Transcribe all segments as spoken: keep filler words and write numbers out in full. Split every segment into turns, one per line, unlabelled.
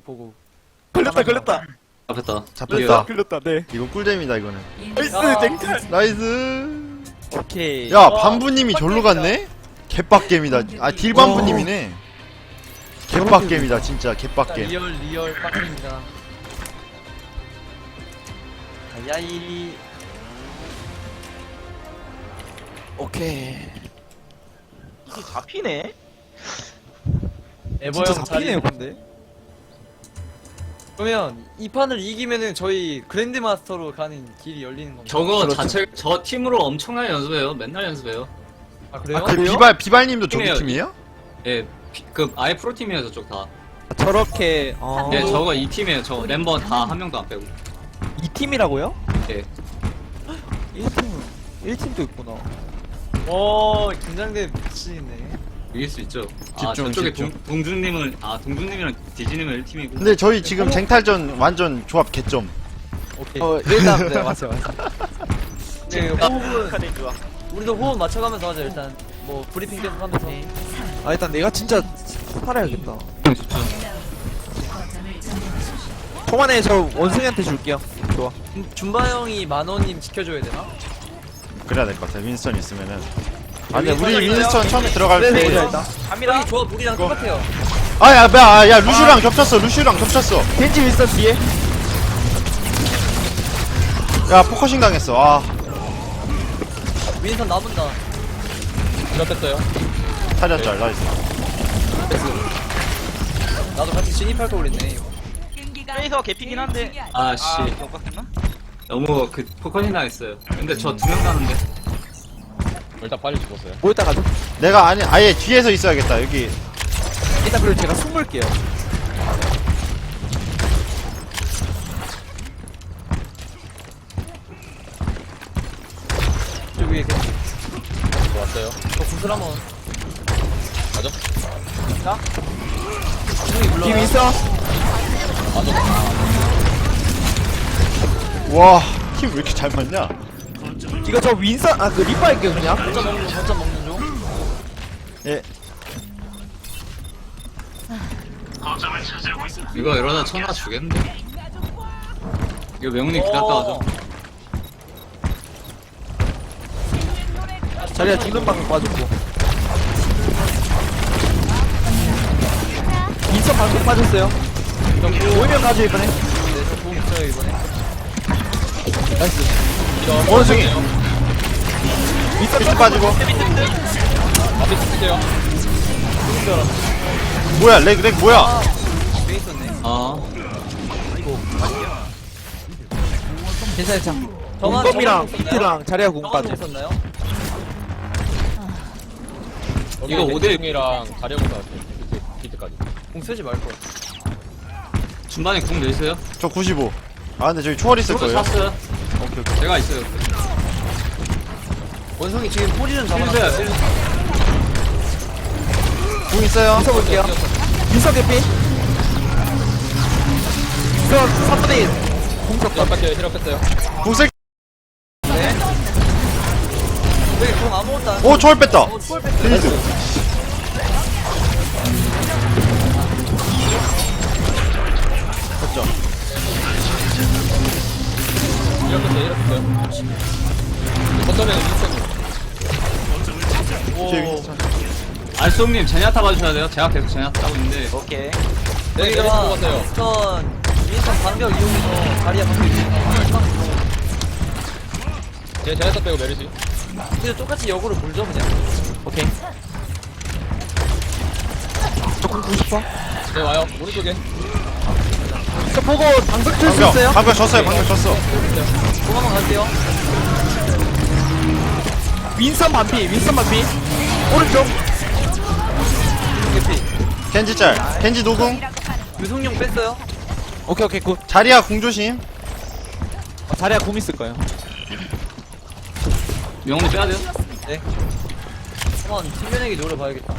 보고.
걸렸다 걸렸다.
잡혔다.
잡혔다.
걸렸다. 네.
이거 꿀잼이다 이거는.
나이스
야.
쟁탈.
나이스.
오케이.
야 반부님이 절로 갔네? 개빡겜이다. 아 딜반부님이네. 개빡겜이다 진짜 개빡겜.
리얼 리얼 빡입니다.
야이. 오케이.
이게 잡히네?
에버
진짜
형
잡히네요
자리.
근데.
그러면 이 판을 이기면은 저희 그랜드마스터로 가는 길이 열리는 겁니다.
저거
그렇죠.
자체 저 팀으로 엄청나게 연습해요. 맨날 연습해요.
아 그래요?
아, 그
그래요?
비발 비발님도 저기
팀이에요.
팀이에요?
예, 피- 그 아예 프로팀이에요 저쪽 다.
아, 저렇게 어...
예, 저거 이 팀이에요. 저 멤버 다 한 명도 안 빼고.
이 팀이라고요?
예.
일 팀. 일 팀도 있구나.
오 긴장돼 미치네.
이길 수 있죠. 아
집중,
저쪽에
집중.
동, 동준님은 아 동준님이랑 디지님은 일 팀이고.
근데 저희 지금 쟁탈전 완전 조합 개점.
오케이.
어 일단 네 맞아요 맞아요.
네, 호흡은
카드 좋아.
우리도 호흡 맞춰가면서 하자 일단. 뭐 브리핑 계속 하면서.
아 일단 내가 진짜 살아야겠다. 통안에 저 원숭이한테 줄게요. 좋아.
준- 준바 형이 만호님 지켜줘야 되나?
그래야 될 것 같아. 윈스턴 있으면은. 아 근데
여기
우리
있어요.
윈스턴 처음에 들어갈
네,
때.
네, 일단.
갑니다.
형이 조합 우리랑 똑같아요.
아야 야, 야 루슈랑 겹쳤어. 루슈랑 겹쳤어.
겐지 윌슨 뒤에.
야 포커싱 당했어. 아
윈선 나본다.
잡혔어요.
타렸잘 나이스.
나도 같이 진입할 걸 그랬네 이거.
페이서 개피긴 한데.
아씨
아, 격각했나?
너무 그 포커싱 당했어요. 근데 저 두 명 가는데.
일단 빨리 죽었어요.
모였다 가죠.
내가 아니 아예 뒤에서 있어야겠다. 여기
일단 그리고 제가 숨을게요.
여기 위에 겐지.
좋았어요.
저 구슬 한번.
맞아?
형이
뒤
불러라.
윌슨.
와 팀 왜 이렇게 잘 맞냐?
이거 저 윈슨 아그 리파 할게요 그냥.
거점 먹는 중, 거점 먹는 중.
예.
이거 이러다 천하 주겠는데. 이거 명훈이 기다렸다
어.
가죠.
자리가 죽는 방금 빠졌고. 윈슨 방금 빠졌어요. 모이면 가죠 이번에.
네, 저 도움 있어요 이번에.
나이스.
원숭이
윈슨
쭉 빠지고.
앞에 쓸게요.
뭐야 렉 렉 뭐야?
아, 왜 있었네.
아
괜찮아 괜찮아.
정한
공범이랑
정한
비트랑 자리가 공
정한
빠져.
있었나요?
이거 오 대
이랑 가려고 나왔어요. 비트, 비트까지.
공 쓰지 말 걸.
중반에 궁 내있어요?
저 구십오. 아 근데 저기 초월 있을
저도
거예요.
샀어요.
오케이 오케이.
제가 있어요.
원성이 지금 포지션
필드야
잡아놨어요.
필드.
궁 있어요.
윈슨 볼게요. 윈슨 개피. 윈슨 삼분의 일. 공격
힐업 뺐어요. 힐업 뺐어요.
궁 쓸.
네. 여기 공 아무것도 안.
오 초월 뺐다.
어, 초월 뺐어요.
데니스. 됐죠.
힐업 뺐어요. 힐업 뺐어요. 거점에는 윈스턴이.
뒤에 윈스턴.
알쏘님 제냐타 봐주셔야 돼요. 제가 계속 제냐타 하고 있는데.
오케이. 네, 내리고
우리가
갔어요.
윈스턴 윈스턴 방벽 이용해서 자리야 방벽 이용해서
제 제네타 빼고 메르시.
근데 똑같이 역으로 물죠 그냥.
오케이. 조금 구십 퍼.
네, 와요. 오른쪽에.
저 보고 방석 칠수
방벽
있어요?
방벽 졌어요. 방벽 졌어.
공 한번 갈게요.
윈선 반피, 윈선 반피. 오른쪽.
개피.
겐지 짤. 겐지 노궁.
유성용 뺐어요.
오케이 오케이 굿.
자리야 궁 조심.
어, 자리야 공 있을 거예요.
명훈이 빼야 돼요?
네. 한번 튕겨내기 노려봐야겠다.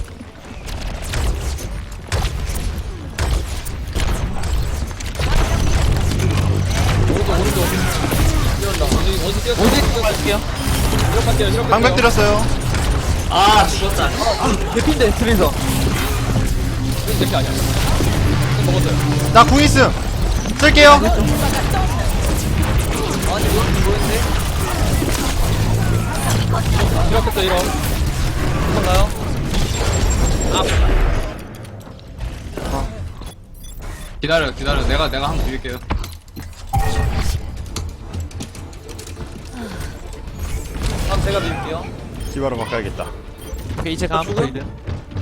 오른쪽, 오른쪽. 뛰어온다. 원숭이, 원숭이 뛰었어.
어디 갈게요?
힐업 할게요. 힐업
방벽 들었어요.
아 죽었다.
개핀데 트레이서.
대피 아니야. 먹었어요.
나 궁 있음. 쓸게요.
아니 이거 뭐였는데?
이렇게 또 이런.
뭔가요?
기다려 기다려 내가 내가 한번 비빌게요.
다음 제가 드릴게요.
디바로 바꿔야겠다.
오케이 이제 감
죽음?
보이드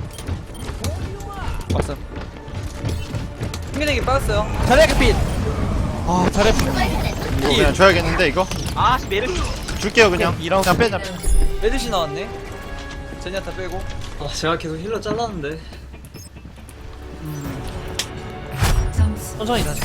왔어
승민에게 빠졌어요.
자리야 개핏 아 자리야
이거 그냥 줘야겠는데 이거?
아 메르
줄게요 그냥.
이라운드.
그냥 빼자. 빼.
메드시 나왔네. 제니아타 빼고. 아 제가 계속 힐러 잘랐는데.
천천히 다시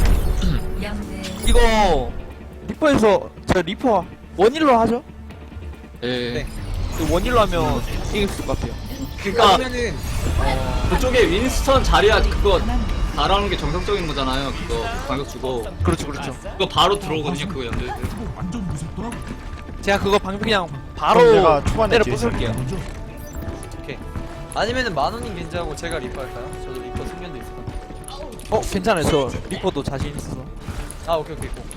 이거 리퍼에서 저 리퍼 원일로 하죠?
예.
네.
그 원일로 하면 이길 수 있을 것 같아요
그니까
아니면은
그쪽에 윈스턴 자리야 그거 달아오는 게 정상적인 거잖아요. 그거 방역 주고
그렇죠 그렇죠
그거 바로 들어오거든요. 그거 연결.
제가 그거 방금 그냥
그럼
바로
내가 초반에
때려
뒤에서
부술게요
오케이. 아니면은 만원님 괜찮고 제가 리퍼 할까요? 저도 리퍼 승면도 있을 것 같아요.
어 괜찮아요 저 리퍼도 자신 있어서
아 오케이 오케이 고.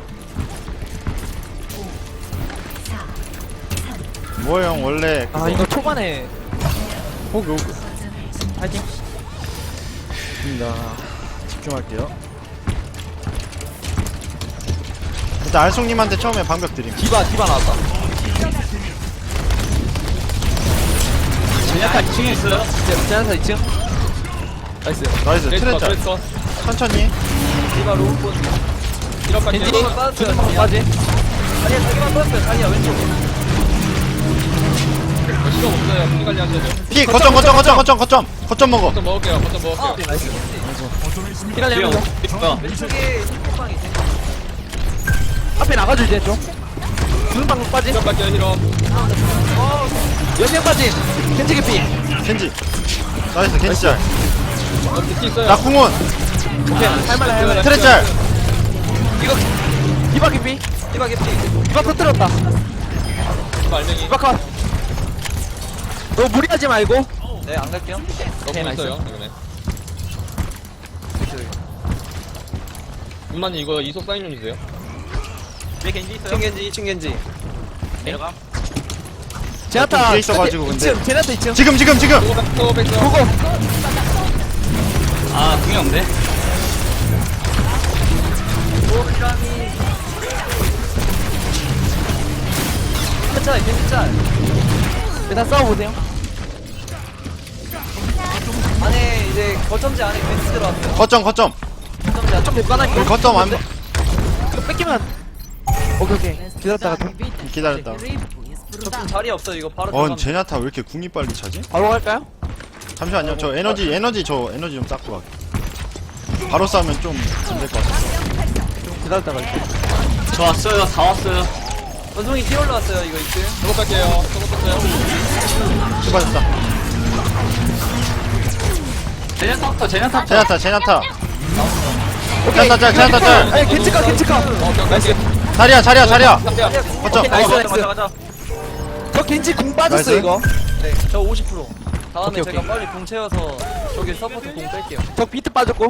뭐 형 원래
아 이거 초반에 호그 호그 파이팅
입니다. 집중할게요. 일단 알송님한테 처음에 방벽 드림.
디바 디바 나왔다
제냐타 이 층에 있어요.
네, 제나타 이 층 나이스
나이스
트레이서
트레짤.
트레이서.
천천히.
디바 로우폰.
이렇게
겐지
이거만 빠졌어요.
두번 빠지
아니야 자기만 빠졌어요. 아니야 왼쪽.
시간 없어요. 분리 관리 하셔야죠.
피 거점 거점 거점 거점 거점 거점 먹어.
거점 먹을게요. 거점 먹을게요.
아 나이스.
피갈리면서
있어.
왼쪽에 힐빵이 있네.
앞에 나가줘 이제 좀 두는 방금 빠지
시간 갈게요. 히럼.
여기에 빠지 겐지 개피
겐지. 나이스 겐지 짤.
어, 비트 있어요.
나 궁원.
오케이 할만해 할만해
트레짤.
이거 디바 개피
디바 개피.
디바 터뜨렸다
말맹이.
디바 컷 너 무리하지 말고
네안 갈게요.
너무
나이스.
있어요. 이번에. 문만님 이거 이속 사인 좀 주세요.
왜 겐지 있어요? 이 층 겐지 이 층 겐지.
내려가 제나타
좀 뒤에 있어가지고 근데.
이 층 제나타 이 층
지금 지금 지금.
또 백, 또 백, 또.
고고
아 궁이 없네.
오감이. 괜찮아 겐지 짤.
일단 싸워보세요
안에 이제 거점지 안에 겐지 들어왔어요.
거점 거점.
거점지 안에.
좀 못가나게
우리 거점 안
이거 뺏기면 오케이 오케이 기다렸다가 좀
기다렸다.
저좀 자리 없어 이거 바로
어
들어가면.
제냐타 왜 이렇게 궁이 빨리 차지?
바로 갈까요?
잠시만요. 저 에너지 에너지 저 에너지 좀 쌓고 갈게. 바로 싸면 좀 안 될 것 같아.
좀 기다렸다가 갈게요
저 왔어요. 다 왔어요.
원숭이 뛰어 올라왔어요 이거 이 층.
저거 갈게요. 저거 뺐어요.
수고하셨다.
제냐타부터 제냐타.
제냐타 제냐타. 제냐타 짤 제냐타 짤.
아니 겐지카 겐지카
어, 오케이, 오케이.
자리야 자리야 자리야.
갈게요.
거점.
오케이, 나이스,
어,
나이스.
가자 가자.
저 겐지 궁 빠졌어
나이스.
이거
네저 오십 퍼센트. 다음에
오케이,
제가
오케이.
빨리 공 채워서 저기 서포트 공 뺄게요.
저 비트 빠졌고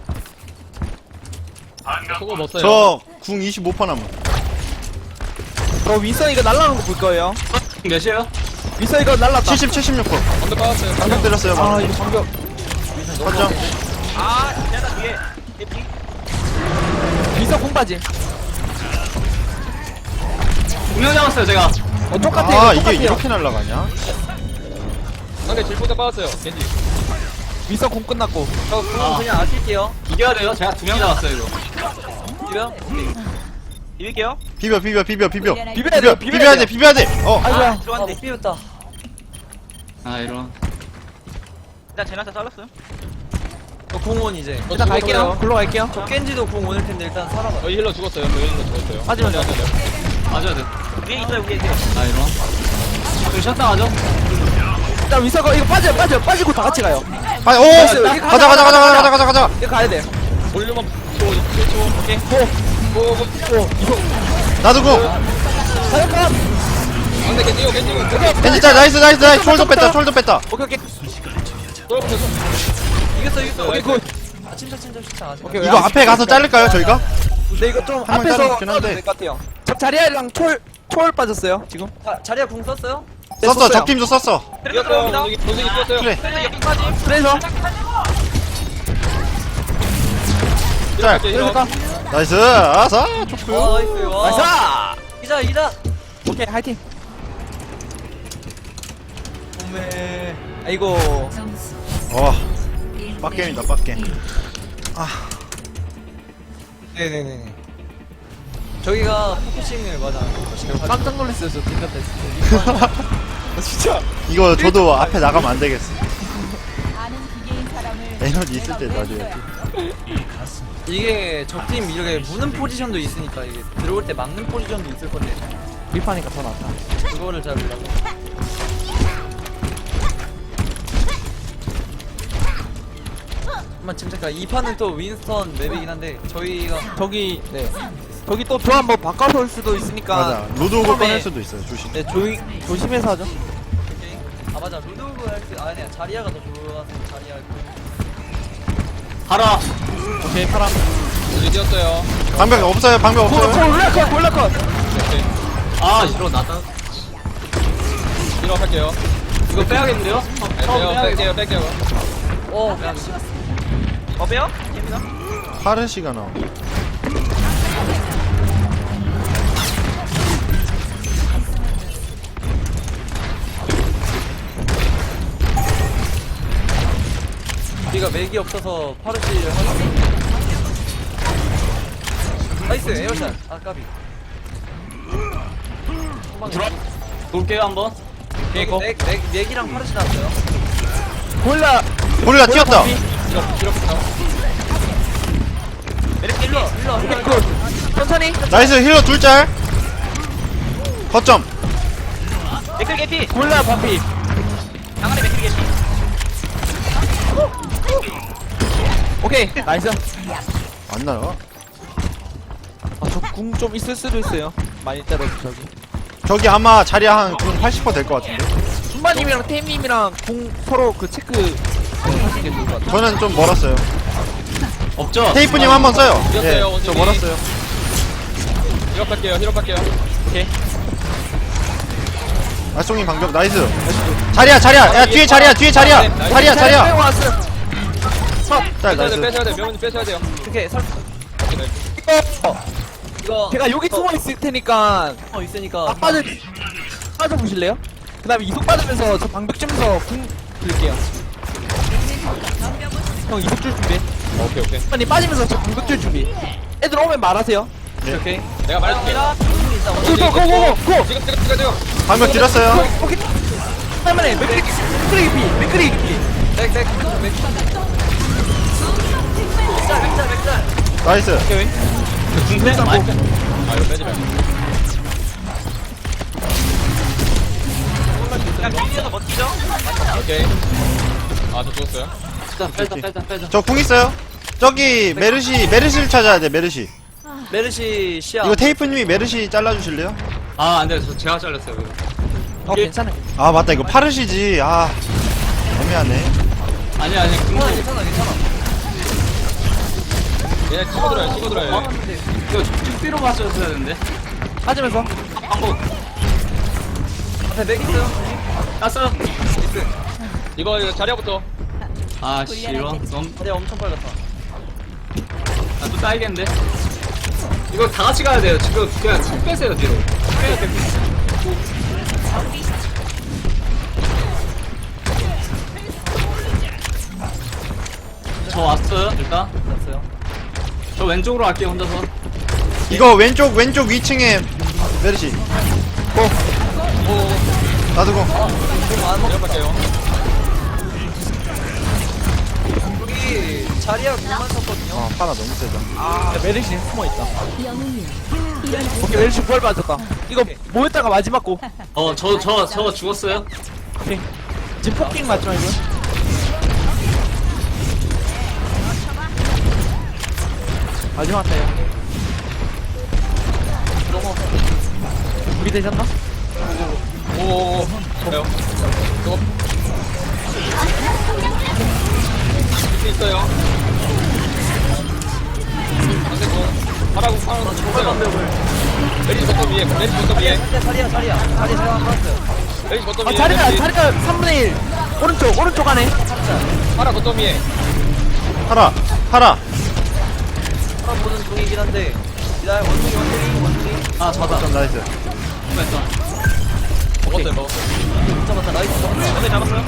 저거 못 써요.
저궁 이십오 퍼센트 남은.
저 윈선 이거 날라가는 거 볼 거예요
몇이에요?
윈선 이거 날랐다
칠십 칠십육 퍼센트.
방금 빠졌어요.
방금 때렸어요.
아
방금.
이거 방금
거점.
윈선 궁 빠지
분명 잡았어요 제가.
어 똑같아
아
이거
이게
똑같아요
이렇게 날라가냐?
상대 질포자 빠졌어요. 겐지.
윈선 궁 끝났고
저 공
아.
그냥 아낄게요.
이겨야 돼요. 제가 두 명 잡았어요 이거.
이거요? 이길게요.
비벼 비벼 비벼 비벼.
비벼야
비벼
돼요
비벼야 돼 비벼야 돼. 어.
아이고야
들어갔는데 못 비웠다.
아 이런.
일단 제나타 잘랐어요. 저 공원 이제.
저
일단 갈게요
죽었어요.
글로 갈게요
저 겐지도 공 오늘 텐데 일단 살아봐.
저희 힐러 죽었어요. 저희 힐러 죽었어요.
하지만
네, 네, 네.
맞아야 돼.
위에 있어요 위에 있어요.
아 이런. 좀 쉬었다 가죠.
일단 윈선 거 이거 빠져 빠져 빠지고 다 같이 가요
아, 오!
여기
가자 가자 가자 가자 가자 가자.
이거 가야 돼
볼륨만 초, 일 초.
오케이 고고고 이거
나도 궁.
사역감
상대 겐지요, 겐지요.
겐지 짤 나이스 나이스 나이스. 숄더 뺐다 숄더 뺐다.
오케이 오케이
또 붙였어.
이겼어 이겼어.
오케이,
굿
아, 침착 침착 침착 아직.
오케이.
이거 앞에 가서 자를까요 저희가?
근데 이거 좀
한번
앞에서
자르긴
싸워도
한데.
될 것 같아요. 저 자리아랑 초월 초월 빠졌어요 지금.
자, 자리야 궁 썼어요?
네,
썼어
썼어요.
적팀도 썼어.
이겼어요.
들어갑니다.
원숭이 원숭이 뛰었어요.
그래.
그래서
짤.
그러니까
나이스. 아싸
와
좋고요.
나이스. 와.
나이스.
이자 이자.
오케이 화이팅.
오메.
아이고.
와 빡겜이다 빡겜.
네네네. 저기가 포커싱을 맞아. 포커싱을 맞아.
깜짝 놀랐어요 저 뒷면 진짜. 진짜.
이거 저도 앞에 나가면 안 되겠어.
아는 기계인 사람을
에너지 있을 때 놔줘야지.
이게 적팀 이렇게 무는 포지션도 있으니까 이게 들어올 때 막는 포지션도 있을 건데
리파니까 더 낫다.
그거를 잘 몰라서. 한번 침착하. 이 판은 또 윈스턴 맵이긴 한데 저희가
저기 네. 저기 또 교환 뭐 바꿔서 올 수도 있으니까.
맞아. 로드오그
처음에-
꺼낼 수도 있어요. 조심.
네 조이 조심해서 하죠.
오케이. 아 맞아 루드오그 할때 아, 아니야 자리아가 더 좋아서 자리아.
가라.
오케이 파랑.
원숭이 뛰었어요.
방벽 없어요. 방벽
고
없어요.
올라컷 올라컷.
오케이.
아 이러 나다.
힐업 할게요.
이거 빼야겠는데요?
네, 빼요. 뺄게요. 뺄게요.
어 그냥. 어 빼요? 됩니다.
파르시가 나와.
우리가 맥이 없어서 파르시를 하는. 나이스 에어샷. 아 까비.
들어. 볼게요 한번.
맥, 맥, 맥, 맥이랑 파르시 나왔어요.
골라.
고릴라 튀었다.
힐업 힐업 힐업.
메릭 일러 일러 일러.
굿. 천천히.
나이스 힐러 둘 짤. 거점.
맥클 개피.
골라 반피.
양아리 맥클 개피.
오케이 나이스.
안 나와.
아저 궁 좀 있을 수도 있어요. 많이 때려도 저기.
저기 아마 자리야 한 팔십 퍼센트 될 것 같은데.
순마님이랑 태임님이랑 궁 서로 그 체크 하시는 게 좋을 것 같아요.
저는 좀 멀었어요.
없죠?
테이프님 한번 써요.
이겼어요,
예, 저
원숭이.
멀었어요.
힐업 할게요. 힐업 할게요.
오케이.
알송이 방벽 나이스. 자리야 자리야. 야 뒤에 자리야 뒤에 자리야. 자리야
빼고
자리야.
왔어.
짤
빼셔야 돼.
나이스.
빼셔야 돼. 명훈이 빼셔야 돼요.
오케이 설.
오케이, 나이스.
이거
이거
제가 여기 숨어 있을 테니까
어 있으니까.
아 빠져 빠져 보실래요? 그다음에 이속 빠지면서 저 방벽 쯤에서 궁 드릴게요. 형 이속 줄 준비.
오케이 오케이.
빨리 빠지면서 저 방벽 줄 준비. 애들 오면 말하세요.
오케이.
내가 말해줄게.
있다.
고고고고 고.
지금 지금 지금 지금.
방벽 드렸어요.
오케이. 할만해. 맥크리 맥크리 피 맥크리 피.
맥, 맥, 맥. 맥자, 맥자, 맥자.
나이스.
오케이.
궁대?
고
아 이거 빼지 말고.
그냥 밀리어서 멋지죠?
오케이. 아저 죽었어요.
일단 빼자 빼자 빼자.
저 궁 있어요. 저기 메르시 메르시를 찾아야 돼 메르시.
메르시 시야.
이거 테이프님이 메르시 잘라주실래요?
아 안돼 저 제가 잘렸어요 이거.
어 괜찮아요.
아 맞다 이거 파르시지. 아 애매하네.
아니 아니
괜찮아,
궁
괜찮아, 괜찮아.
얘 치고 들어요. 치고 들어요.
어? 이거 쭈삐로 맞췄어야 되는데.
빠지면서
방법
앞에 맥 있어요.
땄어요.
이거 이거 자리야부터.
아씨 이런 좀.
자리 엄청 빨갛다.
나또 따이겠는데. 이거 다 같이 가야 돼요. 지금 그냥 쭉 빼세요 뒤로. 빼야 돼. 저 왔어요 일단.
됐어요.
저 왼쪽으로 갈게요 혼자서.
이거 왼쪽 왼쪽 위층에 메르시. 고. 나도 고.
좀안 먹.
힐업 할게요.
여기 자리야 공만 쳤거든요.
아 파라 너무 세다.
아 메르시 숨어 있다. 오케이 메르시 부활 받았다. 이거 모였다가 마지막 고.
어 저 저 저 죽었어요.
오케이. 지금 폭킹 맞죠 이거? 마지막 타요. 우리 되셨나?
오오오. 그래요. 이거. 있어요. 파라고 파라고 정말 메리지 버터 위에 메리지 버터 위에
자리야 자리야 자리야 자리야 제가 받았어요.
메리지 버터
아
위에
자리가
메리지.
자리가 삼분의 일 오른쪽 오른쪽 안에
파라 버터 위에
파라 파라
사람 보는 중이긴 한데 기다려 원숭이 원숭이 원숭이
아 잡았다.
좀 나이스.
먹었어요 먹었어요.
잡았다 나이스 잡았다.
오케이 잡았어요.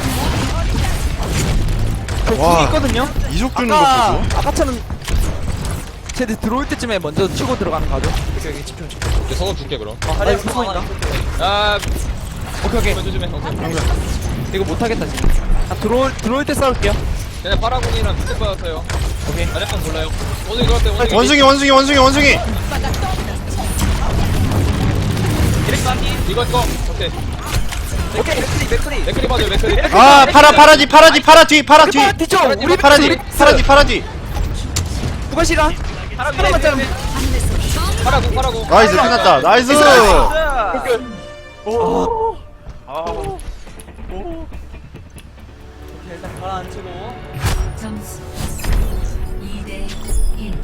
저
와.
궁이 있거든요.
이속 주는 거
아까
보소.
아까처럼 쟤들 들어올 때쯤에 먼저 치고 들어가는 거죠.
오케이 오케이 집중 집중.
이제 서서 줄게 그럼.
아 하리야
아, 이거
구멍 하나
구멍이다.
있을게요.
아
오케이 오케이.
조심해 오케이.
방벽.
이거 못하겠다 지금. 아, 들어올 들어올 때 싸울게요.
쟤네 파라군이랑 비트 받았어요.
오케이.
아랫방 몰라요. 원숭이 들어왔대 원숭이.
원숭이 원숭이 원숭이 원숭이.
이거 이거 오케이.
오케이 맥크리 맥크리.
맥크리 봐줘요 맥크리.
아 파라 파라 뒤 파라 뒤 파라 뒤 파라 뒤.
파라 뒤쪽 우리
파라 뒤 파라 뒤 파라 뒤.
누가 시가? 하나만 자르면
파라군 파라군.
나이스 끝났다. 나이스.
오.
오케이 일단 가라앉히고.
점수 이 대 일.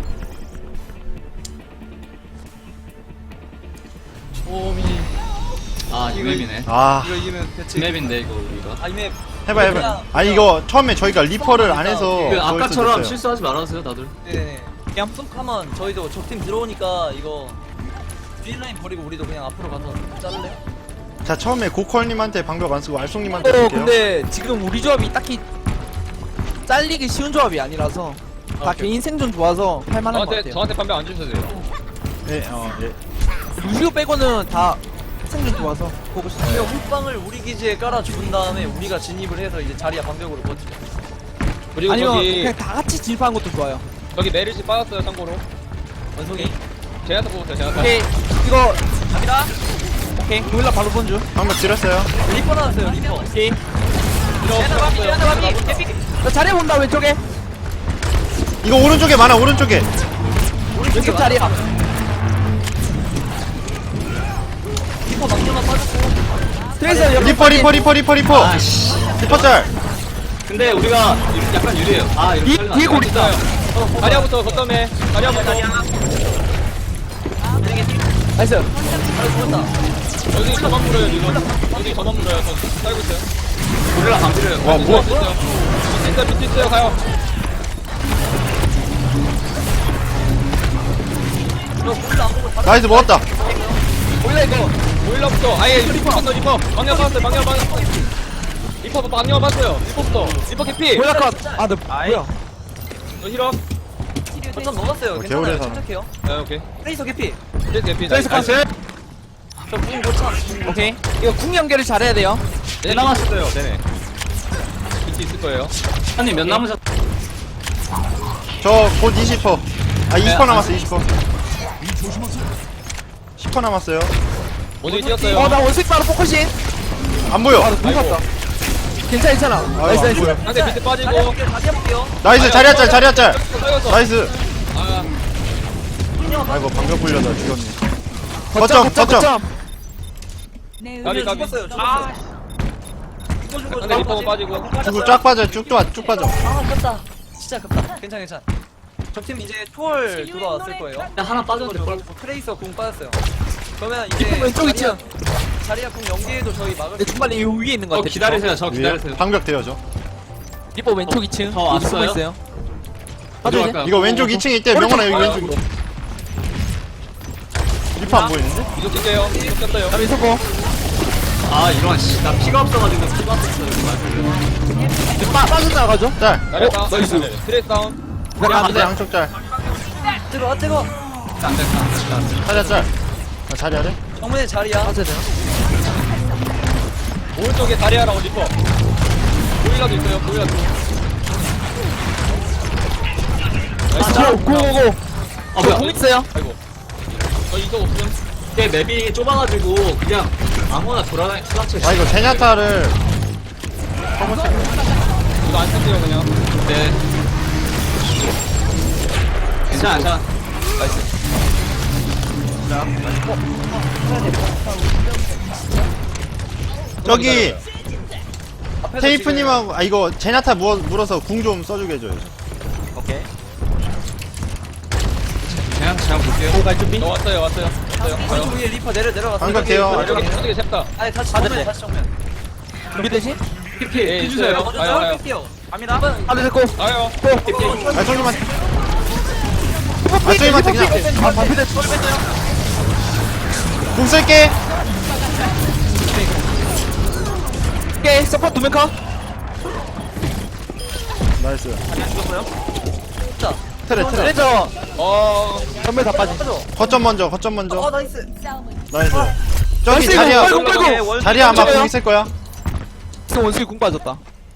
오미.
아 이맵이네.
아
이거 이기면 대체.
이맵인데 이거 우리가.
아 이맵.
해봐 해봐. 아니 이거 처음에 저희가 리퍼를 안 해서
그
그럴 수도
아까처럼
있어요.
실수하지 말아주세요 다들.
네네. 그냥 쑥하면 저희도 적팀 들어오니까 이거 뒷라인 버리고 우리도 그냥 앞으로 가서 자를래요?
자 처음에 고컬님한테 방벽 안 쓰고 알쏭님한테
어
쓸게요.
근데 지금 우리 조합이 딱히 잘리기 쉬운 조합이 아니라서 다
오케이.
개인 생존 좋아서 할만한 것
저한테
같아요.
저한테 반박 안 주셔도 돼요.
예, 어, 예.
루시오 빼고는 다 생존 좋아서 보고 싶어요.
이거 훅방을 우리 기지에 깔아준 다음에 우리가 진입을 해서 이제 자리야 방벽으로 버티죠.
그리고
아니면
저기
그냥 다 같이 진입하는 것도 좋아요.
저기 메리지 빠졌어요 참고로.
원숭이.
제나타 뽑았어요 제나타.
오케이 이거
갑니다.
오케이 고릴라 바로 본주.
방벽 지렸어요.
리퍼 나왔어요 리퍼.
오케이.
제나 바비 제나 바비. 개피.
나 자리에 본다 왼쪽에.
이거 오른쪽에 많아 오른쪽에.
왼쪽 자리야.
리퍼 막려만 빠졌고.
트레이서 여러분.
리퍼 리퍼 리퍼 리퍼 리퍼.
아씨.
리퍼 짤.
근데 우리가 유- 약간 유리해요. 아 이렇게
뒤-
살리면
뒤에
안
고리
돼.
있다.
다리아부터 거점에 다리아부터.
나이스.
바로 죽었다.
여기 저만 물어요 지금. 여기 저만 물어요. 저 살고 있어요.
고릴라 방필해요.
와 뭐?
비트 있어요. 비트 있어요. 비트 있어요. 가요.
저 볼도 안 보고 바로.
나이스 먹었다.
보일러 이거. 보일러부터. 아예 리퍼 리퍼 리퍼. 방향 받았어요. 방향 받았어요. 리퍼 방향 받았어요. 리퍼부터. 리퍼 캐피.
고릴라 컷. 아, 너 뭐야?
저 힐업.
거점 먹었어요.
어,
괜찮아요.
개울에서 하나.
침착해요.
네 오케이.
트레이서 개피.
이제 캐피.
트레이서 컷.
저궁 고참.
오케이. 이거 궁 연결을 잘해야 돼요.
네 남았어요. 네네. 비트 있을 거예요.
한님 몇 남으셨?
저 곧 이십 퍼. 아 이십 퍼
네,
남았어 이십 퍼. 십 퍼 남았어요.
원숭이 뛰었어요.
어, 나 원색 바로 포커싱.
안 보여.
아, 눈 갔다. 괜찮아, 괜찮아. 나이스,
안
나이스.
보여.
상대 비트 빠지고.
다리 해볼게요. 다리 해볼게요.
나이스 자리야 짤 자리야 짤.
떨궜어.
나이스.
아,
아이고 방벽 불려다 죽였네.
거점,
거점,
거점, 거점.
내
가비,
의견
가비.
죽었어요. 죽었어요. 죽어 죽어
상대 리퍼가 빠지고.
쭉 쫙 빠져 쭉 빠- 쭉 빠져.
아 아깝다. 진짜 아깝다. 괜찮아 괜찮아. 적팀 이제 초월 돌아왔을 거예요.
하나 빠졌는데 뭘?
트레이서 궁 빠졌어요. 그러면 이제
리퍼 왼쪽
자리야-
있죠?
자리야 궁 연계해도 저희 막을
내
수
중반에 요 위에 있는 것
어
같아.
기다리세요. 저
위에
기다리세요.
방벽 대여죠.
리퍼 왼쪽 이 층.
저
여기 숨어
왔어요?
있어요.
어디
빠져 이제.
갈까요?
이거 왼쪽 이 층에 있대. 명원아 여기 왼쪽으로. 리퍼 안 보이는데?
이거 뛸게요. 이거 꼈어요.
나비 서고.
아 이런 씨. 나 피가 없어가지고 피가 없었어.
빠 빠져 나가죠.
짤.
나려 다운.
나이스.
트레이스 다운.
양쪽 양쪽 짤.
뜨거 뜨거.
안 됐다. 안 됐다.
자리야 짤. 아, 자리야 돼?
정면에 자리야.
빠져야 돼요.
오른쪽에 다리아랑 리퍼. 보일러도 있어요. 보일러도. 나이스.
고, 고, 고, 고.
아 뭐야?
공 있어요.
아이고. 저 이거 없음.
이게 맵이 좁아가지고 그냥 아무나 돌아다니 투닥쳐.
아 이거 제냐타를
이거 안 쓸게요 그냥.
네. 괜찮아, 괜찮아.
저기
앞에서
테이프님하고 아 이거 제냐타 물, 물어서 궁 좀 써주게 해줘요.
지금- 오케이.
그냥 그냥 볼게요.
갈 준비.
너 왔어요 왔어요 왔어요
왼쪽 위에 리퍼 내려 내려갔어.
안 갈게요.
아, 저기 저기 셉다
아니 다시
아,
정면
네.
다시 정면.
준비되지?
피피
예,
해주세요.
있어요.
먼저
아유, 아유.
뺄게요. 갑니다.
하나 됐고.
아요
아 저기만 아 저기만 그냥
아 반피 됐어.
궁 쓸게.
오케이 서포트 두명 컷.
나이스.
자,
트레 트레.
레저
어
전멸 다 빠지.
가져.
거점 먼저 거점
어
먼저.
나이스.
나이스. 저기
나이스,
자리야.
이거 빨고, 빨고.
자리야 아마
저거요?
궁 있을 거야.
지금 원숭이 궁 빠졌다.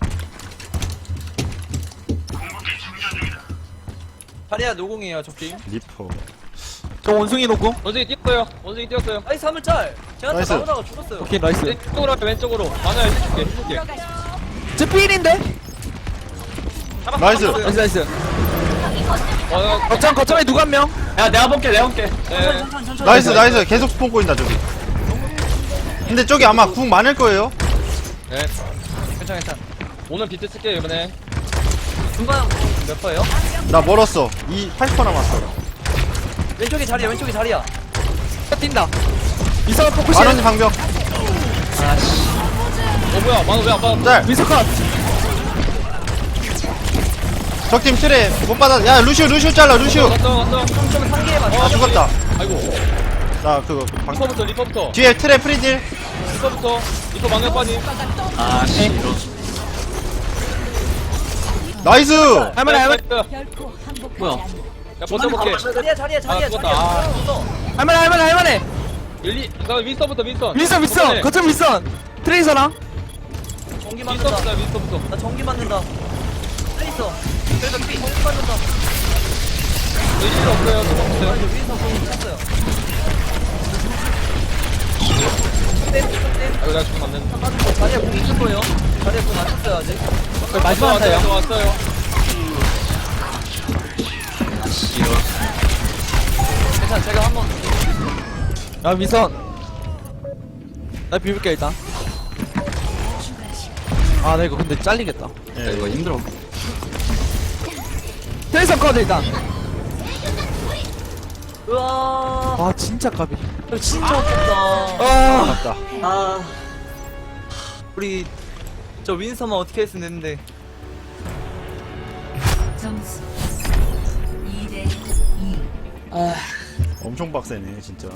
다리야 노공이에요 적팀.
리퍼.
저 원숭이 놓고.
원숭이 뛰었어요 원숭이 뛰었어요
나이스 한물 짤. 제가
나이스.
나오다가 죽었어요.
오케이 나이스.
왼쪽으로 할게 왼쪽으로 많아요 해줄게 해줄게
저 필인데?
나이스.
나이스 나이스.
어
거점 거점에 누구 한 명?
야 내가 볼게 내가 볼게.
네.
천천히 천천히.
나이스 나이스. 계속 스폰 꼬인다 저기. 근데 저기 아마 궁 많을 거예요.
네
괜찮아 괜찮아.
오늘 비트 쓸게요 이번에
중간 몇 퍼예요?
나 멀었어. 이 팔십 퍼 남았어.
왼쪽에 자리야 왼쪽에 자리야.
뛴다. 이상한 포커싱.
만원 방벽.
어 뭐야 만원 왜안 받았어
짤.
미소 컷.
적팀 트레 못 받아. 야 루시우 루시우 잘라 루시우.
갔어 갔어
좀 상기해 봐.
아 죽었다.
아이고
나 그거 방.
리퍼부터 리퍼부터
뒤에 트레 프리딜.
리퍼부터 리퍼 망령 빠니
아씨.
나이스.
할만해 할만해
뭐야?
야 버텨볼게
자리야 자리야 자리야
아, 죽었다.
자리야.
아.
죽었어.
할만해 할만해 할만해.
일리 그다음 윈스턴부터 윈스턴
윈선 윈선 거점 윈선. 트레이서랑.
전기 맞는다.
윈스턴부터 윈스턴부터
나 전기 맞는다. 있어. 그래서 피 전기 맞는다.
일리 없어요 없어요
아니 위에서 공이 찼어요. 네, 네.
아이고 내가 죽으면 안되는데
자리야 공 있을 거예요. 자리야 공 안 찼어요 아직.
마지막 한 타요.
왔어요
괜찮아 제가 한번
야 윈선. 나 비빌게 일단. 아 나 이거 근데 잘리겠다.
야 이거 힘들어.
트레이서 컷 일단.
우와
와 진짜 까비.
이거 진짜 어렵다.
아
맞다.
아 우리 저 윈서만 어떻게 했으면 됐는데.
점수 이 대 이.
엄청 빡세네 진짜.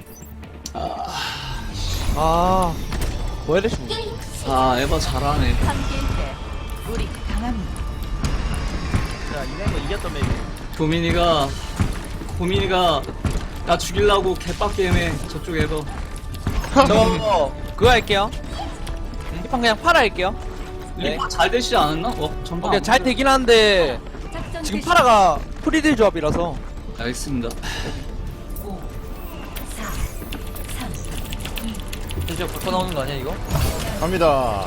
아. 뭐 이래 중.
아 에바 잘하네.
함께일 때 우리 강합니다.
야 이런 거 이겼던 맵이.
고민이가 고민이가 나 죽이려고 개빡게임해 저쪽에서.
저 그거 할게요. 이판 그냥 팔아 할게요.
네.
리퍼 잘 되시지 않았나? 어 전방.
오케이 잘 되긴 한데
작전
지금
개시.
파라가 프리딜 조합이라서.
알겠습니다.
오, 사, 삼,
진짜 바꿔 나오는 거 아니야 이거?
갑니다.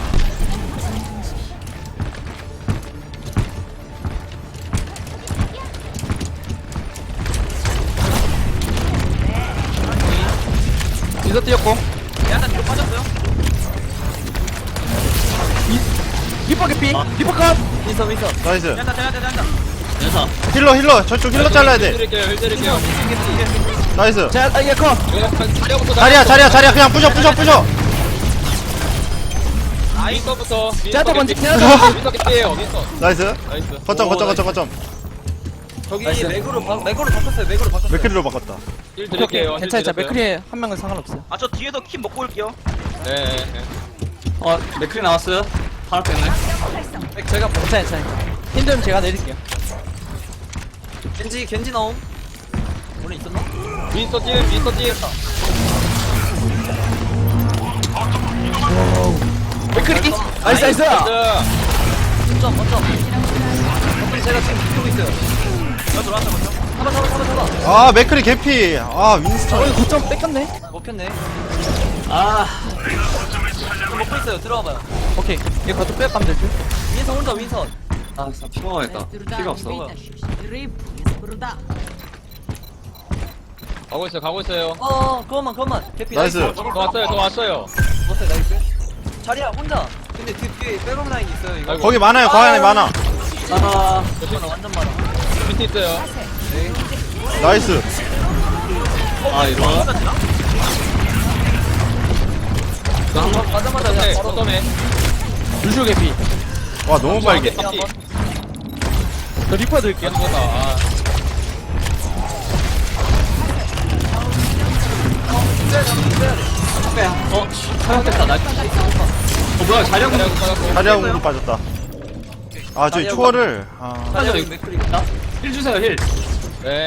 미소 뛰었고.
약간 뒤로 빠졌어요?
리퍼 개피. 리퍼 컷.
윈서 윈서.
나이스.
된다 된다 된다.
연사.
힐러 힐러 저쪽 힐러 잘라야 돼.
힐드릴게요 힐드릴게요
나이스.
자 아, 이게 컷.
이거 자리야부터
자리야 자리야 자리야 그냥 부셔 부셔 부셔.
윈스턴부터
제아타 먼저
윈스턴
제아타.
윈스턴 개피에요 윈스턴
나이스.
나이스
거점 거점 거점 거점.
저기
나이스.
맥으로 바, 맥으로 바꿨어요 맥으로 바꿨어요.
맥크리로 바꿨다.
힐
오케이
드릴게요
오케이. 괜찮아. 자 맥크리 한 명은 상관없어요.
아 저 뒤에서 킴 먹고 올게요.
네네
어 맥클이 나왔어요. 하나 뺐네.
맥 제가 뭐-
괜찮아 괜찮아. 힘들면 제가 내릴게요.
겐지 겐지 나옴. 오늘 있었나?
윈스턴 찜 윈스턴 찜
맥크리. 나이스 나이스.
거점 거점. 거점 제가 지금 비비고 있어요. 나 들어왔다 거점. 잡아 잡아 잡아 잡아.
아 맥크리 개피. 아 윈스턴.
어 고점 뺏겼네.
먹혔네.
아
저 먹고 있어요. 들어와봐요.
오케이. 이거 가도 빼가면 될 듯.
윈선 혼자 윈선.
아 진짜 피가 가겠다. 피가 없어.
가고 있어요 가고 있어요
어 그것만 그것만. 개피
나이스.
저 왔어요 저 왔어요
먹었어요 나이스. 자리야 혼자. 근데 뒤 뒤에 백업 라인 있어요 이거.
아이고.
거기 많아요. 거기 안에 많아.
아
많아 완전 많아.
밑에 있어요
나이스.
아 이거 이거 한번
가자마자
네,
그냥 바로
어떠네.
루시오 개피.
와 너무 빨개.
그냥 한번
저 리퍼 드릴게요.
죽었다. 아,
어 사용됐다 나. 어 뭐야 자력
자리하고 빠졌고.
자리하고로 빠졌다. 아 저기 초월을 아
맞아,
여기
이거.
맥크리 있다.
힐 주세요 힐.
네.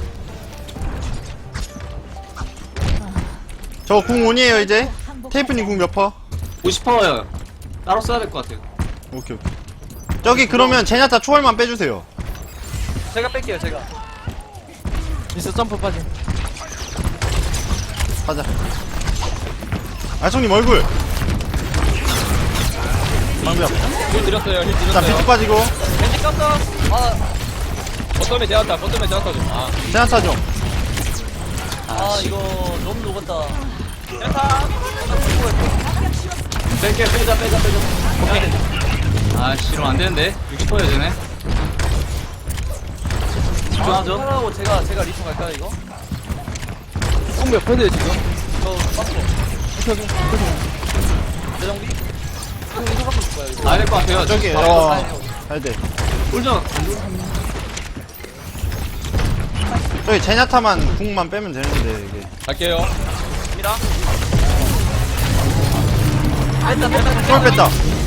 저 궁 온이에요 이제. 테이프님 궁 몇 퍼?
오십 퍼예요. 따로 써야 될 것 같아요.
오케이 오케이. 저기 그러면 제냐타 초월만 빼주세요.
제가 뺄게요 제가.
미스 점프 빠짐.
가자. 아총님 얼굴. 방벽.
힐 드렸어요. 힐
자
드렸어요.
비트 빠지고.
벤지 깠어. 아,
버텀에 제한타. 버텀에 제한타 좀. 아.
제냐타 좀.
아 이거 너무 녹았다.
뺄게 빼자 빼자 빼자. 오케이. 아 씨로 안 되는데 육십 퍼야 되네. 집중하죠.
하라고 제가 제가 리프 갈까요 이거?
콩몇 퍼세요 지금?
저 빠스로. 대정비? 형 이거 갖고 있을 거야 이거.
가야 될 것 같아요.
저기
바로
어
가야 돼요.
가야 돼.
꿀정.
저기 제냐타만 궁만 빼면 되는데 이게.
갈게요.
뺐다 뺐다.
초월 뺐다.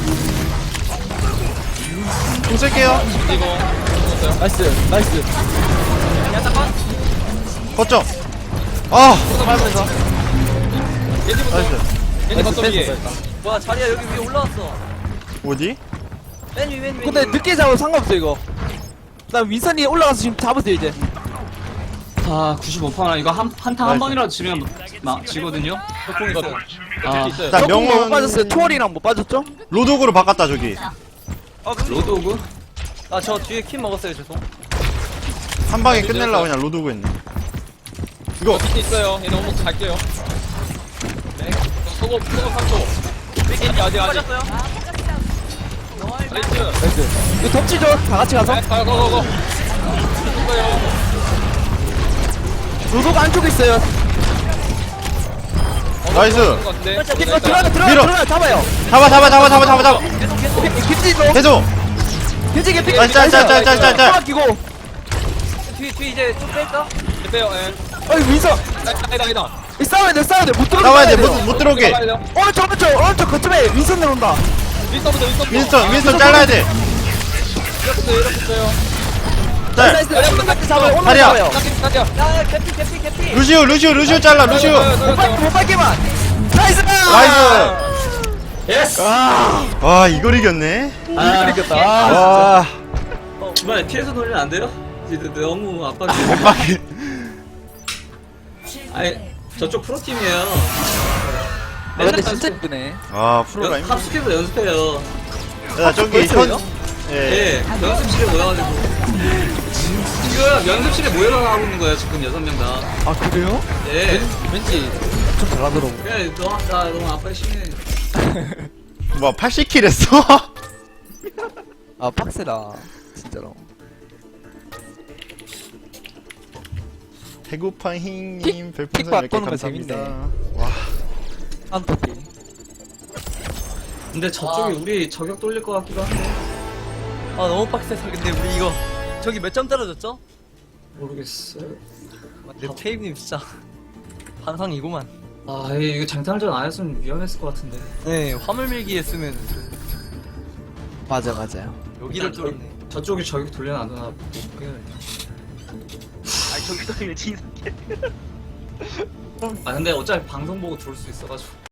궁 쓸게요.
그리고 죽었어요.
나이스 나이스.
거점. 아
밟으면서.
겐지부터.
나이스.
겐지 버텀 위에.
뭐야 자리야 여기 위에 올라왔어.
어디?
맨 위, 맨 위.
근데 늦게 잡아도 상관없어 이거. 나 윈선이 올라가서 지금 잡으세요 이제.
아 구십오 퍼나 이거 한 한탕 한 방이라도 지면 막 지거든요.
벽공
이거
있어요.
아
있어요.
자
명은 못
명은
빠졌어요. 투월이랑 못 빠졌죠?
로독으로 바꿨다 저기.
로드 오브.
아저 뒤에 킴 먹었어요 죄송.
한 방에 끝낼라 그냥 로독고 했네. 이거
밑에 있어요. 얘 너무 갈게요. 네. 소금 소금 삼 초. 겐지 아직 아직. 나이스.
나이스. 이거 덮치죠? 다 같이 가서.
네, 가, 고, 고, 고. 죽어요.
로도가 안쪽에 있어요.
나이스.
것 같은데.
이거 들어가 들어가
밀어.
들어가 잡아요.
잡아 잡아 잡아 잡아 잡아 잡아.
김치도
계속.
김치 김치.
아, 짤, 짤, 짤, 짤, 짤, 짤.
끼고.
뒤, 뒤 이제 좀 뺄까?
빼요. 예.
어이 윈선.
아니다 아니다.
이 싸워야 돼 싸워야 돼못 들어.
나와야 돼. 못, 못 들어오게.
오른쪽 오른쪽 오른쪽 거점에 윈선 내려온다.
윈스턴부터 윈스턴.
윈스턴 윈스턴 잘라야 돼.
이렇게 이렇게 있어요.
짤.
나이스 나이스 잡아요. 오른쪽
다리야.
잡아요.
깎여 깎여.
야야 개피 개피 개피.
루시오 루시오 루시오 잘라 루시오.
못 밟게 못 밟게만. 나이스.
나이스.
예스.
와 이걸 이겼네.
아
이겼다.
와.
주말에 피해서 놀리면 안 돼요? 이제 너무 압박이.
빡빡이.
아니 저쪽 프로팀이에요.
아, 근데 진짜 이쁘네.
아 프로가 힘.
합숙해서 연습해요.
야 저기
벌써요?
현. 예.
예, 연습실에 모여가지고 지금 연습실에 모여서 하고 있는 거예요. 지금 여섯 명 다.
아 그래요?
예.
왠지 좀 잘하더라고.
그래, 너, 나 너무 아빠 심해.
뭐 팔십 킬 했어?
아 빡세다 진짜로.
배고파 힝님
픽
별풍선 몇 개
바꾸는 거
감사합니다.
재밌네.
와.
안토피.
근데 저쪽이 우리 저격 돌릴 것 같기도 한데
아 너무 빡세서 근데 우리 이거 저기 몇 점 떨어졌죠?
모르겠어요.
근데 테이프님 진짜 반상이구만.
아, 이- 이거 장탄전 안 했으면 위험했을 것 같은데.
네 화물 밀기 했으면
맞아 맞아요.
여기를
일단
뚫었네.
저쪽이 저격 돌려놔두나 볼게요.
아 저기 뚫리면 진.
아 근데 어차피 방송 보고 들어올 수 있어가지고.